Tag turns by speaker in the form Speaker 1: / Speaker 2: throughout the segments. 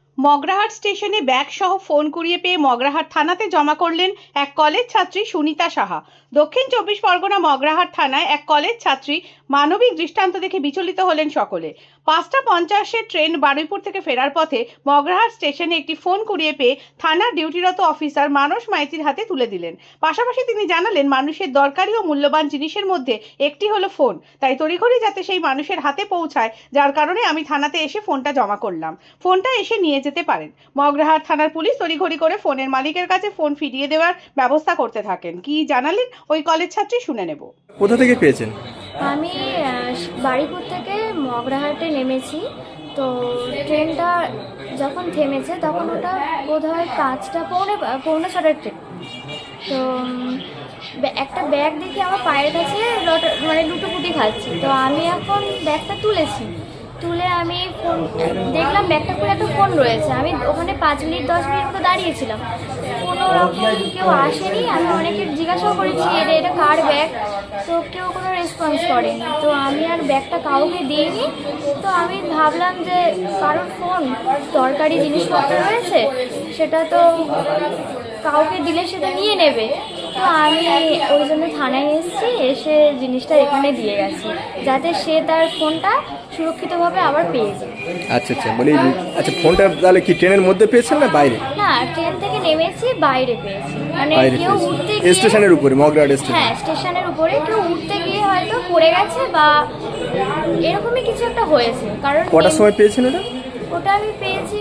Speaker 1: মগরাহাট স্টেশনে ব্যাগ সহ ফোন কুড়িয়ে পেয়ে মগরাহাট থানাতে জমা করলেন এক কলেজ ছাত্রী সুনিতা সাহা। দক্ষিণ চব্বিশ পরগনা মগরাহাট থানায় এক কলেজ ছাত্রী মানবিক দৃষ্টান্ত দেখে বিচলিত হলেন সকলে। 5:50 ট্রেন বারুইপুর থেকে ফেরার পথে মগরাহাট স্টেশনে একটি ফোন কুড়িয়ে পেয়ে থানার ডিউটিরত অফিসার মানস মাইতির হাতে তুলে দিলেন। পাশাপাশি তিনি জানালেন, মানুষের দরকারি ও মূল্যবান জিনিসের মধ্যে একটি হলো ফোন, তাই তড়িঘড়ি যাতে সেই মানুষের হাতে পৌঁছায়, যার কারণে আমি থানাতে এসে ফোনটা জমা করলাম। ফোনটা এসে নিয়ে যেতে পারেন। মগরাহাট থানার পুলিশ তড়িঘড়ি করে ফোনের মালিকের কাছে ফোন ফিরিয়ে দেওয়ার ব্যবস্থা করতে থাকেন। কি জানালেন ওই কলেজ ছাত্রী শুনে নেব।
Speaker 2: কোথা থেকে পেয়েছেন?
Speaker 3: আমি বারুইপুর থেকে মগরাহাটে নেমেছি। তো ট্রেনটা যখন থেমেছে তখন ওটা বোধহয় 5:45 ট্রেন। তো একটা ব্যাগ দেখে আমার পায়ের কাছে লুটোপুটি খাচ্ছি। তো আমি এখন ব্যাগটা তুলে আমি ফোন দেখলাম, ব্যাগটা খুলে একটা ফোন রয়েছে। আমি ওখানে 5-10 মিনিট মতো দাঁড়িয়েছিলাম, কোনো রকম কেউ আসেনি। আমি অনেকে জিজ্ঞাসাও করেছি এটা কার ব্যাগ, তো কেউ কোনো রেসপন্স করেনি। তো আমি আর ব্যাগটা কাউকে দিইনি। তো আমি ভাবলাম যে কারোর ফোন দরকারি জিনিসপত্র রয়েছে, সেটা তো কাউকে দিলে সেটা নিয়ে নেবে। তো আমি ওই জন্য থানায় এসে জিনিসটা এখানে দিয়ে গেছি, যাতে সে তার ফোনটা সুরক্ষিতভাবে আবার পেয়ে যায়।
Speaker 2: আচ্ছা, বলি, ফোনটা তাহলে কি ট্রেনের মধ্যে পেয়েছেন না বাইরে?
Speaker 3: না, ট্রেন থেকে নেমেছি, বাইরে পেয়েছি। মানে
Speaker 2: বাইরে
Speaker 3: কেউ
Speaker 2: পেয়েছেন?
Speaker 3: উঠতে গিয়ে
Speaker 2: স্টেশনের উপরে, মগরাহাট স্টেশন?
Speaker 3: হ্যাঁ, স্টেশনের উপরে কেউ উঠতে গিয়ে হয়তো পড়ে গেছে বা এরকমই কিছু একটা হয়েছে। কারণ
Speaker 2: কটার সময় পেয়েছেন ওটা?
Speaker 3: ওটা আমি পেয়েছি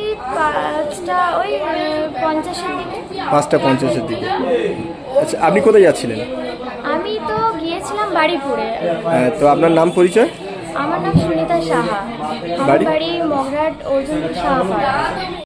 Speaker 3: 5:50 দিকে।
Speaker 2: 5:50 দিকে। আচ্ছা, আপনি কোথায় যাচ্ছিলেন?
Speaker 3: আমি তো গিয়েছিলাম বারুইপুরে।
Speaker 2: তো আপনার নাম পরিচয়?
Speaker 3: আমার নাম সুনিতা সাহা। আমার
Speaker 2: বাড়ি?
Speaker 3: বাড়ি মগরাহাট অর্জুনপুর সাহা।